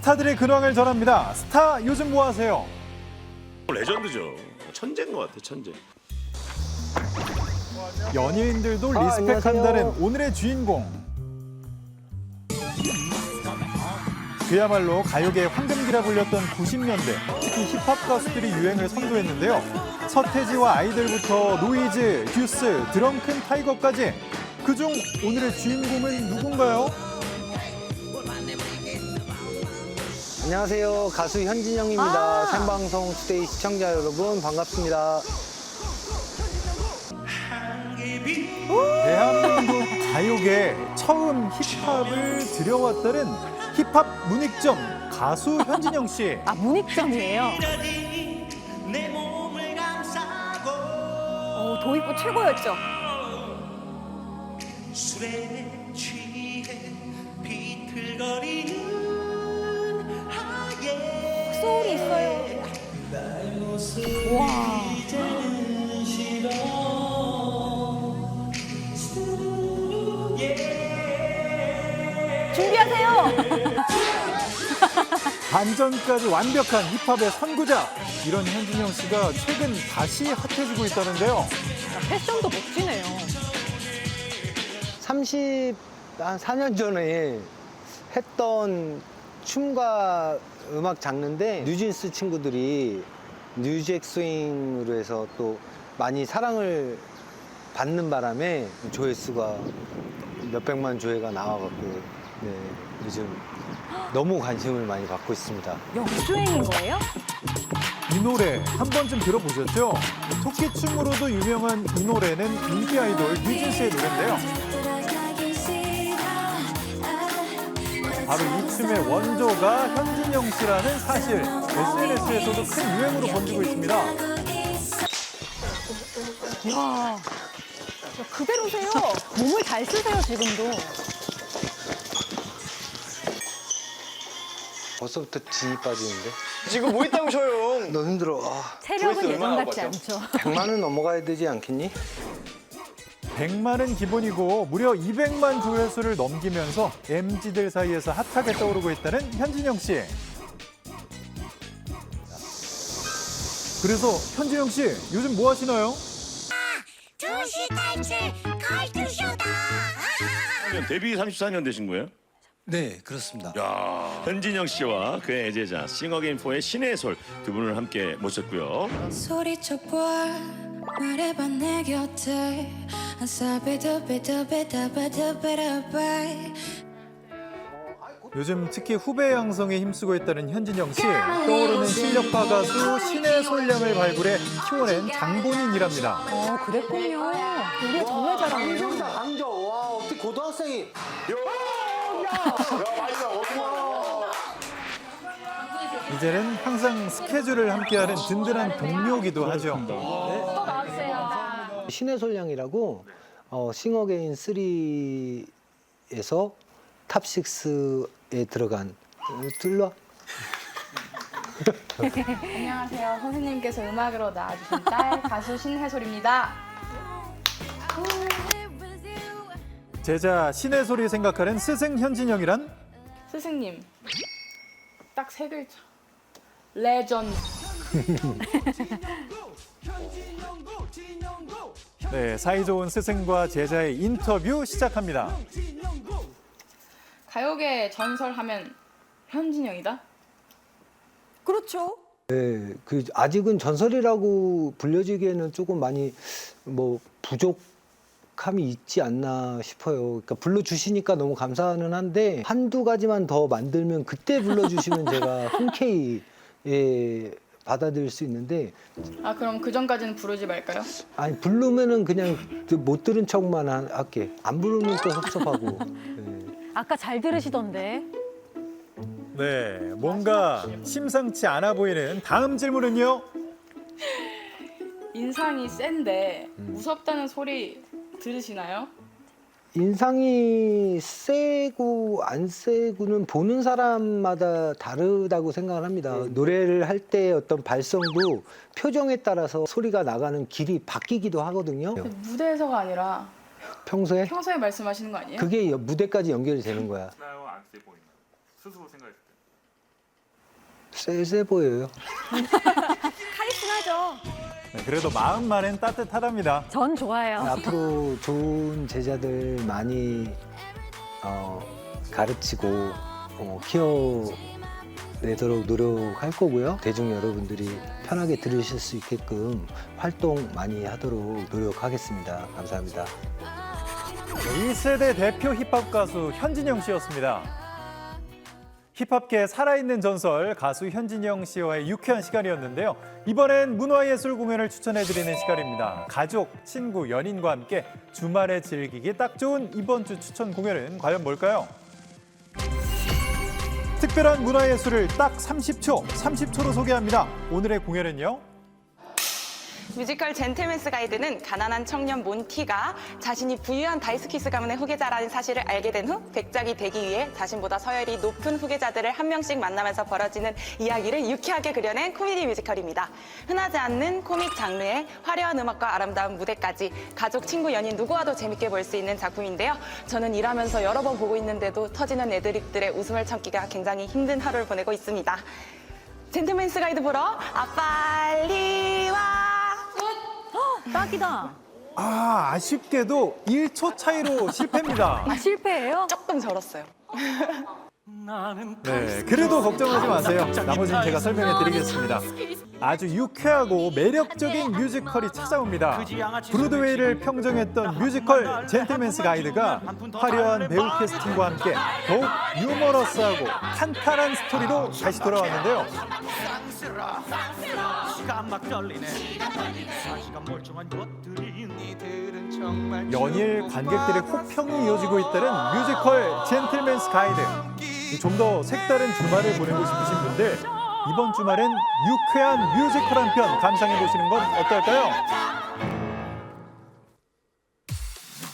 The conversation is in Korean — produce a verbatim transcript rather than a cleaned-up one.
스타들의 근황을 전합니다. 스타 요즘 뭐 하세요? 레전드죠. 천재인 것 같아, 천재. 연예인들도 아, 리스펙한다는 안녕하세요. 오늘의 주인공. 그야말로 가요계의 황금기라 불렸던 구십 년대, 특히 힙합 가수들이 유행을 선도했는데요. 서태지와 아이들부터 노이즈, 듀스, 드렁큰 타이거까지 그중 오늘의 주인공은 누군가요? 안녕하세요. 가수 현진영입니다. 아. 생방송 투데이 시청자 여러분 반갑습니다. 대한민국 가요계에 처음 힙합을 들여왔다는 힙합 문익점 가수 현진영 씨. 아, 문익점이에요. 어, 도입부 최고였죠. 술에 취해 비틀거리는 하얘 소울이 있어요. 와. 준비하세요. 반전까지 완벽한 힙합의 선구자. 이런 현진영 씨가 최근 다시 핫해지고 있다는데요. 패션도 멋지네요. 삼십사 년 전에 했던 춤과 음악 장르인데 뉴진스 친구들이 뉴잭 스윙으로 해서 또 많이 사랑을 받는 바람에 조회수가 몇백만 조회가 나와갖고 네, 요즘 너무 관심을 많이 받고 있습니다. 역주행인 거예요? 이 노래 한 번쯤 들어보셨죠? 토끼춤으로도 유명한 이 노래는 인기 아이돌 뉴진스의 노래인데요. 바로 이 춤의 원조가 현진영 씨라는 사실 에스엔에스에서도 큰 유행으로 번지고 있습니다. 와. 그대로세요. 몸을 잘 쓰세요, 지금도. 벌써부터 진이 빠지는데? 지금 뭐 있다고 쉬어요? 너무 힘들어. 아, 체력은 조회수 예전 얼마나 같지 나왔죠? 않죠. 백만은 넘어가야 되지 않겠니? 백만은 기본이고 무려 이백만 조회수를 넘기면서 엠지들 사이에서 핫하게 떠오르고 있다는 현진영 씨. 그래서 현진영 씨 요즘 뭐 하시나요? 두시 탈출 칼투쇼다. 데뷔 삼십사 년 되신 거예요? 네, 그렇습니다. 야, 현진영 씨와 그의 애제자 싱어게인포의 신의 솔 두 분을 함께 모셨고요. 소리쳐봐 말해봐 내 곁에 아사비두비두비다바두비다바. 요즘 특히 후배 양성에 힘쓰고 있다는 현진영 씨. 떠오르는 실력파 가수 신의 솔량을 발굴해 키워낸 장본인이랍니다. 어, 그랬군요. 우리가 정말 잘하네요. 강조. 와, 어떻게 고등학생이. 이제는 항상 스케줄을 함께하는 든든한 동료기도 하죠. 신의 솔량이라고 어, 싱어게인 쓰리에서 탑 식스에 들어간 어, 들러 안녕하세요. 선생님께서 음악으로 나와주신 딸 가수 신혜솔입니다. 제자 신의 소리 생각하는 스승 현진영이란? 스승님, 딱 세 글자. 레전드. 네, 사이좋은 스승과 제자의 인터뷰 시작합니다. 가요계 전설하면 현진영이다? 그렇죠. 네, 그 아직은 전설이라고 불려지기에는 조금 많이 뭐 부족함이 있지 않나 싶어요. 그러니까 불러주시니까 너무 감사는 한데 한두 가지만 더 만들면 그때 불러주시면 제가 흔쾌히 예, 받아들일 수 있는데 아, 그럼 그 전까지는 부르지 말까요? 아니 부르면은 그냥 못 들은 척만 하- 할게. 안 부르면 또 섭섭하고. 네. 아까 잘 들으시던데. 네, 뭔가 심상치 않아 보이는 다음 질문은요. 인상이 센데 무섭다는 소리 들으시나요? 인상이 세고 안 세고는 보는 사람마다 다르다고 생각을 합니다. 노래를 할 때 어떤 발성도 표정에 따라서 소리가 나가는 길이 바뀌기도 하거든요. 무대에서가 아니라 평소에 평소에 말씀하시는 거 아니에요? 그게 여- 무대까지 연결이 되는 거야. 나요? 안 세 보이나요? 스스로 생각했을 때. 쎄쎄 보여요. 카리스마죠. 네, 그래도 마음만은 따뜻하답니다. 전 좋아요. 앞으로 좋은 제자들 많이 어, 가르치고 어, 키워내도록 노력할 거고요. 대중 여러분들이 편하게 들으실 수 있게끔 활동 많이 하도록 노력하겠습니다. 감사합니다. 네, 일 세대 대표 힙합 가수 현진영 씨였습니다. 힙합계의 살아있는 전설 가수 현진영 씨와의 유쾌한 시간이었는데요. 이번엔 문화예술 공연을 추천해드리는 시간입니다. 가족, 친구, 연인과 함께 주말에 즐기기 딱 좋은 이번 주 추천 공연은 과연 뭘까요? 특별한 문화예술을 딱 삼십 초, 삼십 초로 소개합니다. 오늘의 공연은요. 뮤지컬 젠틀맨스 가이드는 가난한 청년 몬티가 자신이 부유한 다이스키스 가문의 후계자라는 사실을 알게 된 후 백작이 되기 위해 자신보다 서열이 높은 후계자들을 한 명씩 만나면서 벌어지는 이야기를 유쾌하게 그려낸 코미디 뮤지컬입니다. 흔하지 않는 코믹 장르의 화려한 음악과 아름다운 무대까지 가족, 친구, 연인 누구와도 재밌게 볼 수 있는 작품인데요. 저는 일하면서 여러 번 보고 있는데도 터지는 애드립들의 웃음을 참기가 굉장히 힘든 하루를 보내고 있습니다. 젠틀맨스 가이드 보러 아 빨리 와. 딱이다. 아, 아쉽게도 일 초 차이로 실패입니다. 아, 실패예요? 조금 절었어요. 네, 그래도 걱정하지 마세요. 나머지는 제가 설명해 드리겠습니다. 아주 유쾌하고 매력적인 뮤지컬이 찾아옵니다. 브로드웨이를 평정했던 뮤지컬 젠틀맨스 가이드가 화려한 배우 캐스팅과 함께 더욱 유머러스하고 탄탄한 스토리로 다시 돌아왔는데요. 연일 관객들의 호평이 이어지고 있다는 뮤지컬 젠틀맨스 가이드. 좀 더 색다른 주말을 보내고 싶으신 분들 이번 주말엔 유쾌한 뮤지컬 한 편 감상해 보시는 건 어떨까요?